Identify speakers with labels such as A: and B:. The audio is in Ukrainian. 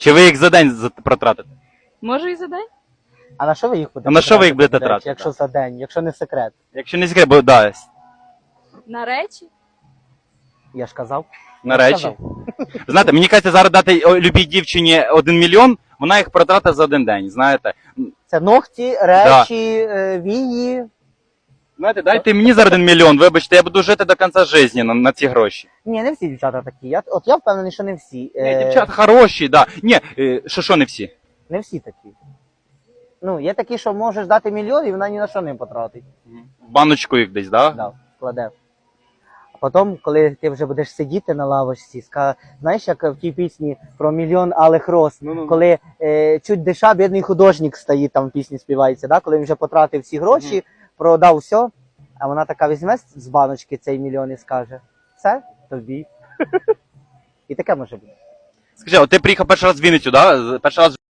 A: Чи ви їх за день протратите?
B: Може і за день?
C: А на що ви їх будете
A: А на що ви їх будете
C: до речі,
A: тратити?
C: якщо за день, якщо не секрет?
A: Якщо не секрет, бо да,
B: На речі?
C: Я ж казав.
A: на
C: Я ж
A: речі.
C: казав.
A: Знаєте, мені кажеться, зараз дати любій дівчині 1 мільйон, вона їх протратить за один день, знаєте.
C: Це ногті, речі, вії.
A: Знаєте, дайте мені зараз 1 мільйон, вибачте, я буду жити до кінця життя на ці гроші.
C: Ні, не всі дівчата такі. Я впевнений, що не всі.
A: Ні, дівчата хороші, да. Ні, що не всі.
C: Не всі такі. Ну, є такі, що можеш дати мільйон, і вона ні на що не потратить.
A: В баночку їх десь, да?
C: Да, вкладе. А потім, коли ти вже будеш сидіти на лавочці, знаєш, як в тій пісні про мільйон алих роз,
A: Ну-ну.
C: коли чуть диша, бідний художник стоїть, там в пісні співається, да? Коли він вже потратив всі гроші, продав все, а вона така візьме з баночки цей мільйон і скаже, це тобі. І таке може бути.
A: Скажи, от ти приїхав перший раз в Вінницю, да? Перший раз